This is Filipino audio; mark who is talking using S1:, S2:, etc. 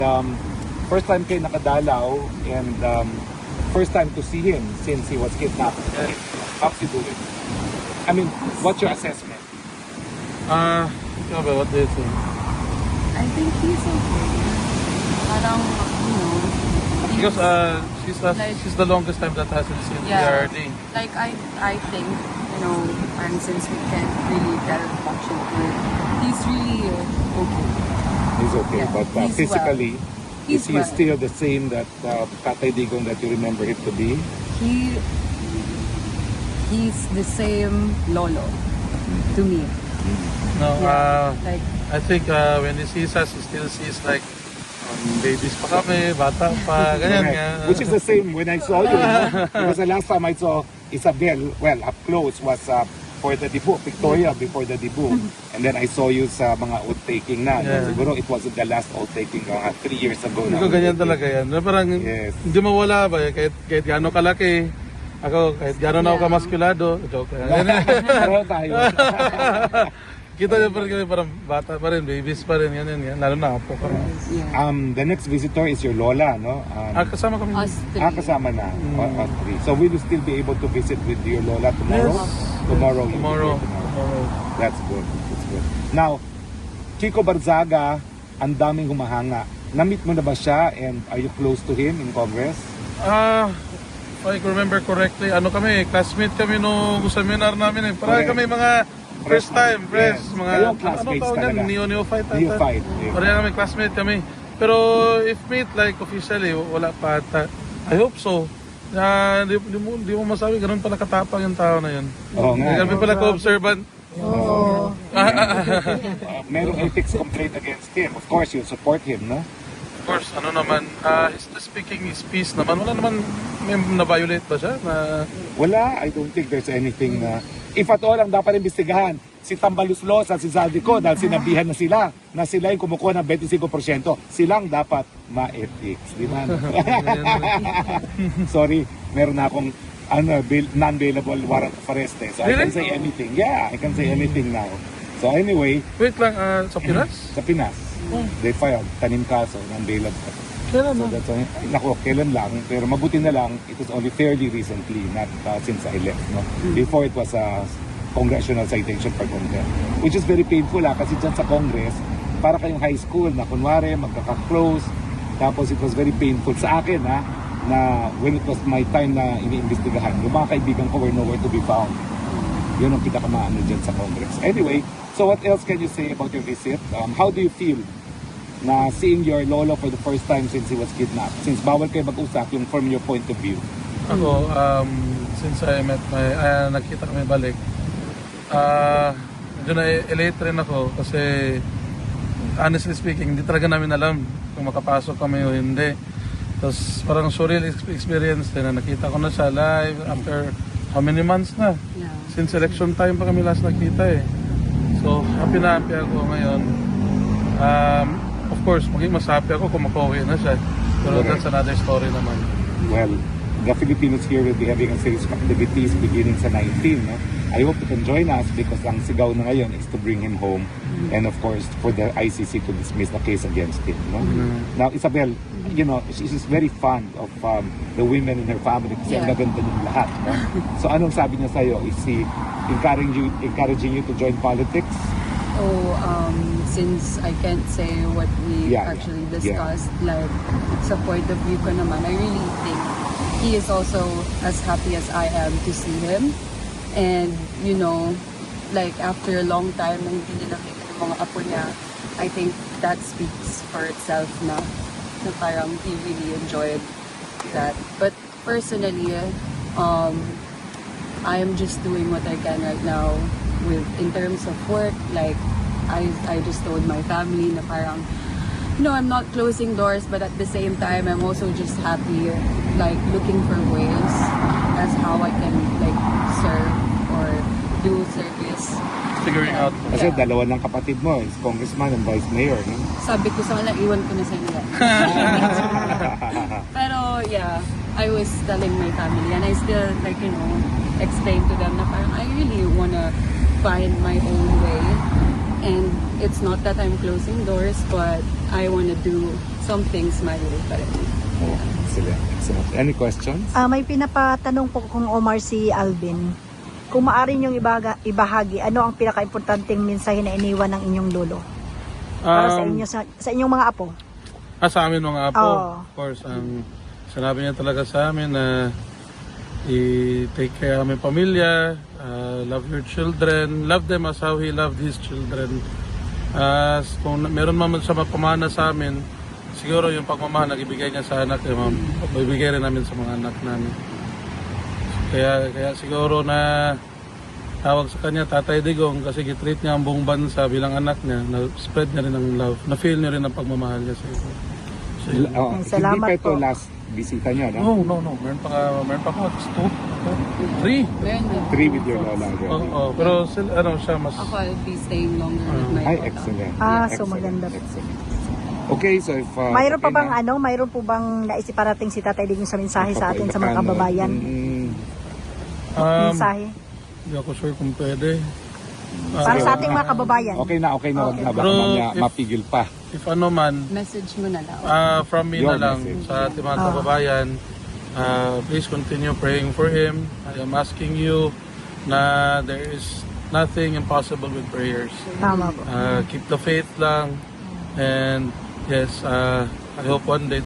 S1: Um, first time kayo nakadalaw and first time to see him since he was kidnapped. How's he doing? I mean, what's your assessment?
S2: Ikaw ba, what do you think?
S3: I think he's okay. Parang,
S2: Because she's the longest time that hasn't seen
S3: Yeah.
S2: PRD.
S3: like I think, and since we can't really tell much into it, he's really okay.
S1: He's okay,
S3: Yeah,
S1: but
S3: he's
S1: physically, is
S3: He's
S1: he
S3: well.
S1: still the same that Tatay Digong that you remember him to be?
S3: He's the same lolo to me.
S2: No,
S3: Like,
S2: I think when he sees us, he still sees like babies pa kami, bata pa, ganyan
S1: Correct.
S2: nga.
S1: Which is the same when I saw you. Because the last time I saw Isabel, well, up close was for the debut, Victoria before the debut. And then I saw you sa mga oath-taking na.
S2: Yeah.
S1: Siguro it wasn't the last oath-taking 3 years ago
S2: Hindi
S1: na.
S2: ko ganyan talaga yan. Na parang
S1: Yes.
S2: hindi mawala ba, kahit gaano kalaki. Ako, kahit gaano na ako kamaskulado. Joke lang.
S1: Pareho tayo.
S2: Kita niyo pa rin kami, parang bata pa rin, babies pa rin, yan. Lalo na apo kami.
S3: yeah.
S1: The next visitor is your lola, no?
S2: Kasama kami.
S3: Us three.
S1: Kasama na. Us three. So will you still be able to visit with your lola tomorrow?
S2: Yes.
S1: Tomorrow. you'll be
S2: Tomorrow.
S1: here tomorrow. That's good. That's good. Now, Kiko Barzaga, ang daming humahanga. Na-meet mo na ba siya and are you close to him in Congress?
S2: If I remember correctly, classmate kami nung seminar namin eh. Parang
S1: Correct.
S2: kami mga first time,
S1: Yes.
S2: mga
S1: Kayong classmates
S2: tawag yan?
S1: talaga.
S2: Neophyte.
S1: Neophyte.
S2: Parang kami, classmate kami. Pero if meet like officially, wala pa ata. I hope so. Di mo masabi, ganun pala katapang yung tao na yun.
S1: Oo nga.
S2: Kami pala ka-observant.
S1: Merong ethics complaint against him. Of course, you support him, no?
S2: Of course, he's just speaking his piece naman. Wala naman, may na-violate ba siya?
S1: Wala. I don't think there's anything na... If at all, ang dapat imbestigahan, si Tambaluslos at si Zaldico dahil sinabihan na sila yung kumukuha ng 25%. Silang dapat ma-ethics. Di ba? Sorry, meron na akong non-bailable warrant of arrest eh. So I can say anything. Yeah, I can say anything now. So anyway,
S2: Wait lang, sa Pinas?
S1: sa Pinas, they filed tanim kaso non-bailable.
S2: Kailan
S1: So
S2: na?
S1: that's why, nako, kailan lang, pero mabuti na lang, it was only fairly recently, not since I left, no? Before it was a congressional citation for contempt, which is very painful kasi dyan sa Congress, para kayong high school na kunwari, magkaka-close, tapos it was very painful sa akin, na when it was my time na iniimbestigahan, yung mga kaibigan ko were nowhere to be found. Yun ang pinakamaano dyan sa Congress. Anyway, so what else can you say about your visit? How do you feel na seeing your lolo for the first time since he was kidnapped? Since bawal kayo mag-usap yung from your point of view.
S2: Ako, since I met nakita kami balik, medyo na-elate rin ako kasi honestly speaking, hindi talaga namin alam kung makapasok kami o hindi. Tapos parang surreal experience din na nakita ko na siya live after how many months na?
S3: Yeah.
S2: Since election time pa kami last nakita eh. So happy na happy ako ngayon. Of course, maging mas happy ako kung makauwi na siya. Pero that's another story naman.
S1: Well, the Filipinos here will be having a series of activities beginning sa 19. No? I hope you can join us because ang sigaw na ngayon is to bring him home and of course for the ICC to dismiss the case against him. No? Now, Isabel, she's very fond of the women in her family kasi ang gaganda ng lahat. No? So anong sabi niya sa'yo? Is he encouraging you to join politics?
S3: Since I can't say what we actually discussed, like sa point of view ko naman, I really think he is also as happy as I am to see him. And, like after a long time na hindi niya nakita ng mga apo niya, I think that speaks for itself na parang he really enjoyed that. But personally, I am just doing what I can right now in terms of work. Like I just told my family na parang, I'm not closing doors, but at the same time, I'm also just happy, like looking for ways as how I can like serve or do service.
S2: Figuring out.
S1: Kasi dalawa ng kapatid mo is congressman and vice mayor. No?
S3: Sabi ko sa kanila, iwan ko na sa inyo. Pero yeah, I was telling my family and I still explain to them na parang I really wanna find my own way. And it's not that I'm closing doors, but I want to do some things my way pa rin.
S1: Oh, excellent. Excellent. Any questions?
S4: May pinapatanong po kung Omar si Alvin. Kung maaari niyong ibahagi, ano ang pinaka-importanting mensahe na iniwan ng inyong lolo? Para sa inyo, sa inyong mga apo?
S2: Sa amin mga apo,
S4: Oo.
S2: of course, ang sinabi niya talaga sa amin na i-take care ng aming pamilya, love your children, love them as how he loved his children. Kung meron man siya mapamana sa amin, siguro yung pagmamahal na ibigay niya sa anak, ibigay rin namin sa mga anak namin. Kaya siguro na tawag sa kanya Tatay Digong kasi gitreat niya ang buong bansa bilang anak niya, na-spread niya rin ang love, na-feel niya rin ang pagmamahal niya sa iyo.
S1: Hindi
S4: Salamat
S1: pa ito
S4: po.
S1: last bisita niyo, no?
S2: No. Meron pa ako. 2, 3.
S3: Meron na.
S1: 3 with your lola.
S2: Pero siya mas...
S3: Ako, I'll be staying longer with my
S1: Ay,
S3: lola.
S1: excellent.
S4: So
S1: Excellent.
S4: maganda.
S1: Excellent. Okay, so if...
S4: Mayroon pa
S1: okay
S4: bang
S1: na.
S4: mayroon po bang naisip parating si Tatay Digong sa mensahe sa atin sa mga
S1: Papaibakan, no?
S4: kababayan? Mensahe?
S2: Hindi ako sure kung pwede.
S4: Para sa ating mga kababayan.
S1: Okay na. Wag na. Baka
S2: Pero
S1: mamaya
S2: if-
S1: mapigil pa.
S2: If ano man,
S3: Message mo na lang.
S2: from me
S1: Your
S2: na lang
S1: message.
S2: sa ating mga kababayan, please continue praying for him. I am asking you na there is nothing impossible with prayers.
S4: Tama po.
S2: Keep the faith lang. And yes, I hope one day